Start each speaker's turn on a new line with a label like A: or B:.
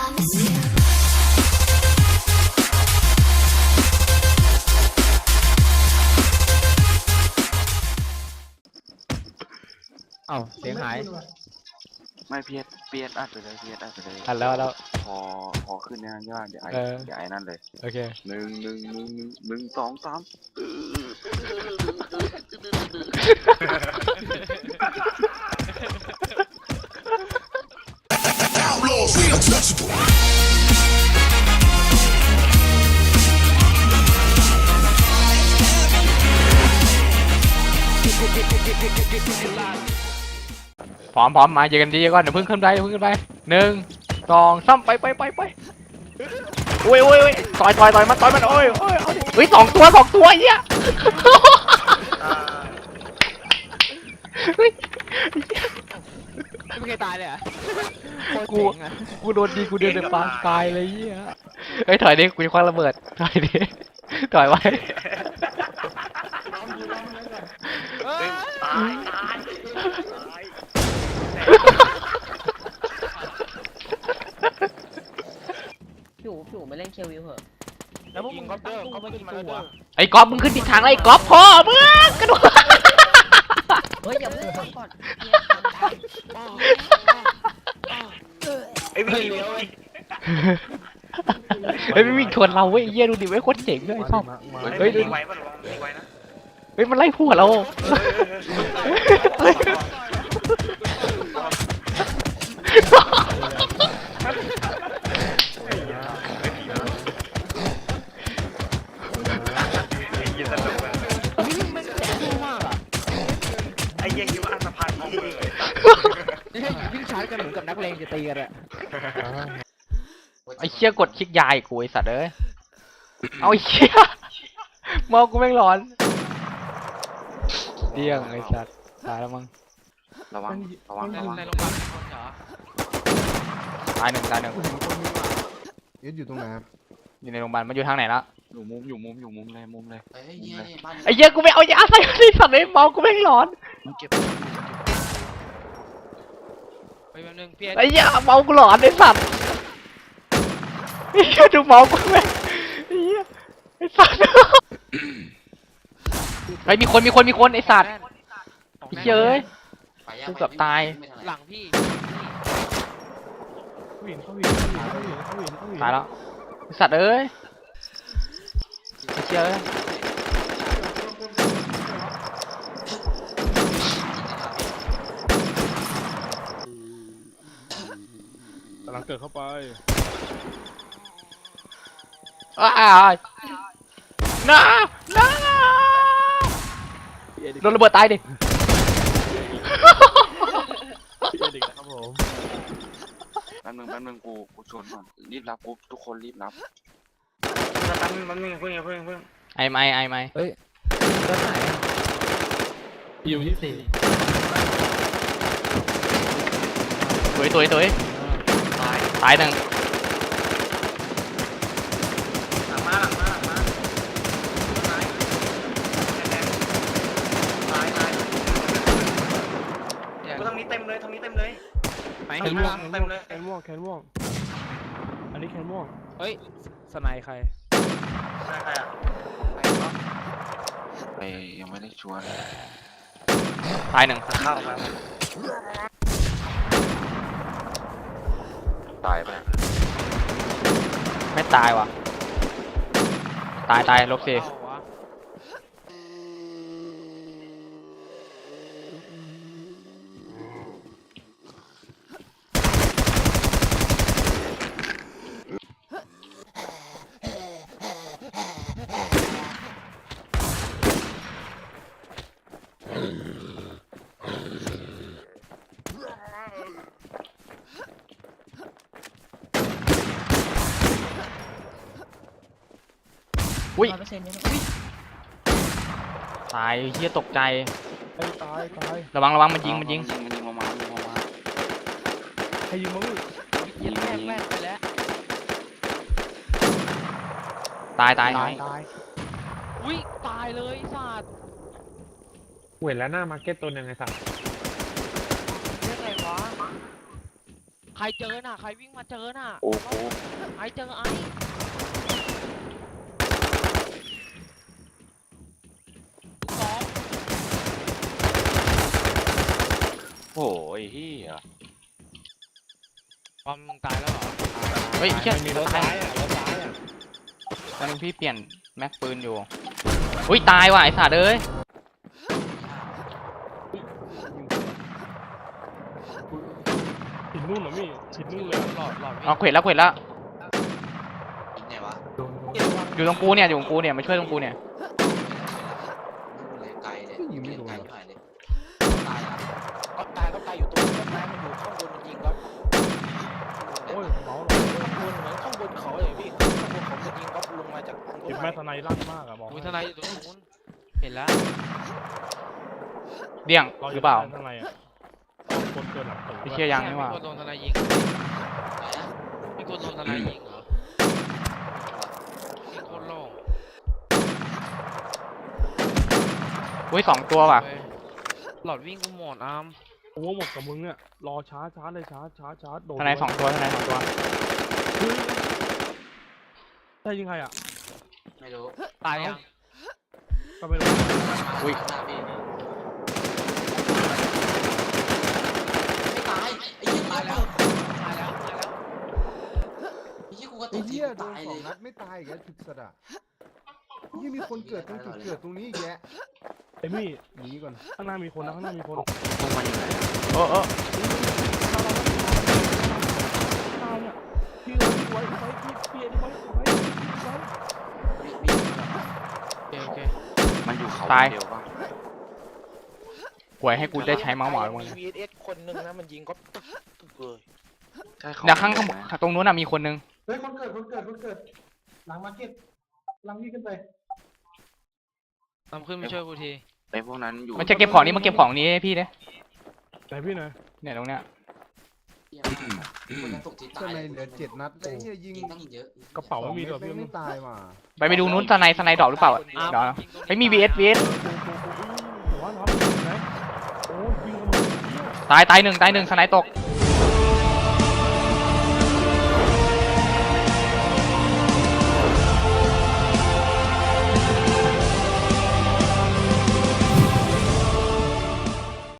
A: เอ้าเสียงหาย
B: ไม่เพียสอัดไปเลย
A: อัดแล้ว
B: พอขึ้นเนี่ยย่าเดี๋ยวไอ้นั่นเลย
A: โอเค
B: หนึ่งสองสาม
A: พร้อมมาเจอกันดีก่อนเดี๋ยวเพิ่งขึ้นไป1 2 3ไปโอ้ยต่อยมันโอ้ยเฮ้ย2 ตัวเหี้ย
C: ไม่เคยตายเลยอ่ะ
A: กูโดนดีกูเดินในปางตายเลยเหี้ยเฮ้ยถอยดิกูจะคว้าระเบิดถอยไว้
D: พี่อู๋มาเล่นเควิวเหอะ
C: แล้วพวกมึงก็เดินเขาไม่กินตัว
A: ไอ้ก๊อฟมึงขึ้นผิดทางไอ้ก๊อฟพ่อมึงกระโดด
D: เฮ้ยอย่าเพิ่งทำก่อน
C: ไอ้พี่เลี้ยว
A: เฮ้ยไม่มีชนเราเว้ยเยี่ยดูดิเว้ยโคตรเจ๋งเลยชอบเฮ้ยดู
C: ไว้ป่ะลองไว้นะ
A: เฮ้ยมันไล่หัวเรา
C: ไอ้เหี้ยคิดว่าอันสะพานที่
E: วิ่งชาร์จกันเหมือนกับนักเลงจะตีกันอะ
A: ไอ้เชี่ยกดคลิกยายกูไอ้สัตว์เอ้ยเอาไอ้เชี่ยมองกูแม่งร้อนเดี้ยงไอ้สัตว์ตายแล้วมั้ง
B: ระวัง
C: ในโรงพยาบาลคนเหรอ
A: ตายหนึ่ง
E: ยึดอยู่ตรงไหน
A: อยู่ในโรงพยาบาลมันอยู่ทางไหนละ
B: อยู่มุมเลย
A: ไอ้เหี้ยกูไม่เอายาใส่ไอ้สัตว์เลยมองกูแม่งร้อน
C: ไปแป๊บนึงพี่
A: ไอ้เหี้ยเมากูหลอนไอ้สัตว์ไอ้เหี้ยดูเมากูแม่งไอ้เหี้ยไอ้สัตว์ไอ้มีคนไอ้สัตว์ไอ้เหี้ยเอ้ยกูเกือบตาย
C: หลังพี่
A: ตายแล้วไอ้สัตว์เอ้ยไอ้เหี้ยเอ้ย
E: กำลังเกิดเข้าไป
A: น้าโดนระเบิดตายดิ
E: ครับผม
B: แป๊บนึงกูชวนก่อนรีบรับปุ๊บทุกคนรีบรับ
C: แป๊บนึงเพิ่ง
A: ไอ้ไม่
E: เฮ้ยด้านไหนอยู่24
A: ตุ๋ยตายหนึ่ง
C: หลังมาตายกูทางนี้เต็มเลย
E: แขนม่วงอันนี้แขนม่วงเฮ้ยสไนใคร
C: อ่ะ
B: ไปยังไม่ได้ชวน
A: ตายหนึ่ง
C: เข้ามา
B: ตายไป
A: ไม่ตายว่ะตายลบสิอุ้ยตายเฮียตกใจ
E: ตาย
A: ระวังมันยิง
B: มา
E: ใครยิงมึง
C: ยิงแม่ไปแล้ว
A: ตาย
C: อุ้ยตายเลยสัตว์
E: เห็นแล้วหน้ามาร์เก็ตตัวนึงไงสัตว์
C: เรียกไงวะใครเจอน่ะใครวิ่งมาเจอน่ะ
B: โอ้โห
C: ไอ้เจอไอ้สอง
B: โอ้ยเฮีย
C: บอมมึงตายแล้วเหรอ
A: เฮ้ยเชี่ย
E: มันมีรถซ้ายอ่ะรถซ้ายอ่ะ
A: ตอนนึงพี่เปลี่ยนแม็กปืนอยู่อุ้ยตายว่ะไอ้สัตว์เอ้ย
F: หินนู่นเหรอมี่หินนู่นเลยอะ
C: หลอดวิ่ง
A: เอาเขวดแล้วเขวดแล้ว
B: ยิงไงวะ
A: อยู่ตรงกูเนี่ยอยู่ตรงกูเนี่ยมาช่วยตรงกูเนี่ย
B: เลยไกลเลยยิงไม่โดนไกลเลยตายละ
G: ก็ตายก็ตายอยู่ตรงต้นไม้มันอยู่ข้างบนมันยิงก็
F: โอ้ยเมาส์
G: ข้างบนเหมือนข้างบนเขาอย่างพี่ข้างบนเขามันยิงก็ลงมาจากต้น
F: เก็บ
G: ไม้
F: แม่ทนายลั่นมากอะบอก
C: อุ้ยทนายอยู่ตรงนู้นเห็นแล้ว
A: เดี่ยงหรือเปล่า
F: ทนายอะคนเกินหลังตึก
A: พี่เชี่ยยังนี่หว่า
C: มีคนโดนทนายยิงมีคนโดนทนายยิงเหรอมีคนโล่ง
A: อุ้ย2 ตัวว่ะ
C: เว้ยหลอดวิ่งกูหมดอาร์ม
F: โอ้หมดกับมึงเนี่ยรอช้าเลยช้าโดน
A: ทนาย2 ตัวทนาย2 ตัว
F: ใช่ยิงใครอ่ะ
B: ไม่รู้
C: ตายยัง
F: ก็ไม่รู้
A: อุ้ย
B: หน้าพี่ตายไอ้ยี่ตายแล้ว
C: ตายแล้วตายแล้ว
B: ไอ้ยี่กูก็ต
H: ไอ้
B: ก
H: เหี้ยโดน
B: ตาย
H: ส
B: เล
H: อง
B: ย
H: นัดไม่ตายอีกแล้วถึกสะดะยังมีคนเกิดตรงจุดเกิดตรงนี้อีกแยะ
F: ไอ้มี่
H: หนีก่อน
F: ข้างหน้ามีคนนะข้างหน้ามีคน
B: ลงมาอยู่ไหน
A: เออ
F: พี่ไว้พี่ไว้
C: โอเค
B: มันอยู่เขาเดียวป่ะ
A: หวยให้กูได้ใช้เมาส์หมาลง
G: มี
A: เลย
G: VSS คนหนึ่งนะมันยิงก็ตึกเลย
B: ใช่เขา
A: เดี๋ยวข้างตรงนู้นน่ะมีคนนึง
H: เฮ้ยคนเกิดหลังมาร์เก็ตหลังพี่ขึ้นไป
C: ตามขึ้นมาช่วยกูที
B: ไอ้พวกนั้นอยู่
A: มันจะเก็บของนี้มาเก็บของนี้ให้พี่เด้
F: ไหนพี่หน่อย
A: เนี่ยตรงเนี้ย
B: คนนั้นตกที่ตา
H: ข้างในเหลือ7 นัดแล้วไอ้เหี้ยยิง
B: ตั้งเยอะ
F: กระเป๋าไม่มี
H: 2
F: ตัว
H: เม็ด
F: พี่
H: ไม่ตายว่ะ
A: ไปดูนู้นสไนดรอปหรือเปล่า
C: อาร์ม
A: เดี๋ยว
C: ยิงตรงนี้
A: ไม่มี VS
F: หัวน้องไหนโอ้ยิงกัน
A: ตาย1สไนตก
F: โอ้